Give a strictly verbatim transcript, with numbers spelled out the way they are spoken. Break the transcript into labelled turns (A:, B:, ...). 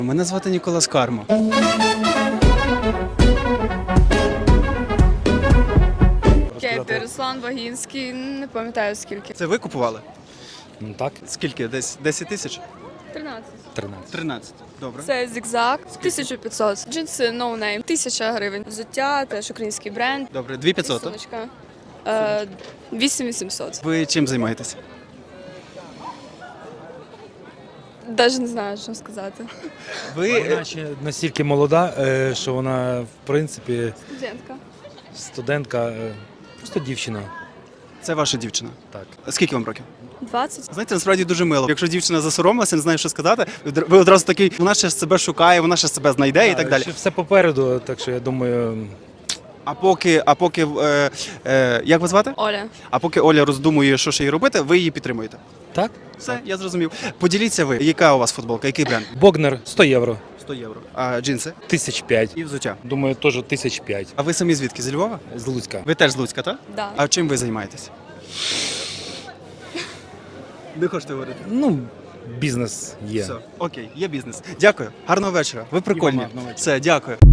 A: Мене звати Ніколас Кармо.
B: Кепі, Руслан Вагінський, не пам'ятаю скільки.
A: Це ви купували?
C: Ну так,
A: Скільки? Десь десять тисяч?
B: тринадцять.
C: тринадцять.
A: тринадцять. Добре.
B: Це зігзаг, тисяча п'ятсот. Джинси No Name, тисяча гривень. Взуття, теж український бренд.
A: Добре, дві п'ятсот.
B: Сумочка. Е, вісім вісімсот.
A: Ви чим займаєтесь?
B: Навіть не знаю, що сказати.
A: Ви
C: Вона ще настільки молода, е, що вона, в принципі,
B: Студентка.
C: студентка, е, просто дівчина.
A: це ваша дівчина.
C: Так.
A: Скільки вам років?
B: двадцять.
A: Знаєте, насправді дуже мило. Якщо дівчина засоромилася, не знає, що сказати, ви одразу такий, вона ще себе шукає, вона ще себе знайде і так далі.
C: Ще все попереду, так що я думаю,
A: А поки, а поки е, е, як вас звати?
B: Оля.
A: А поки Оля роздумує, що ще їй робити, ви її підтримуєте.
C: так.
A: Все, я зрозумів. Поділіться ви, яка у вас футболка, який бренд?
C: Богнер сто євро,
A: сто євро. А джинси?
C: тисяч п'ять.
A: І взуття.
C: Думаю, теж тисяч п'ять.
A: А ви самі звідки? Зі Львова?
C: З Луцька.
A: Ви теж з Луцька, так?
B: Да.
A: А чим ви займаєтесь? Не хочете говорити?
C: Ну, бізнес є.
A: Все, окей, є бізнес. Дякую. Гарного вечора. Ви прикольні.
C: гарного вечора.
A: Все, дякую.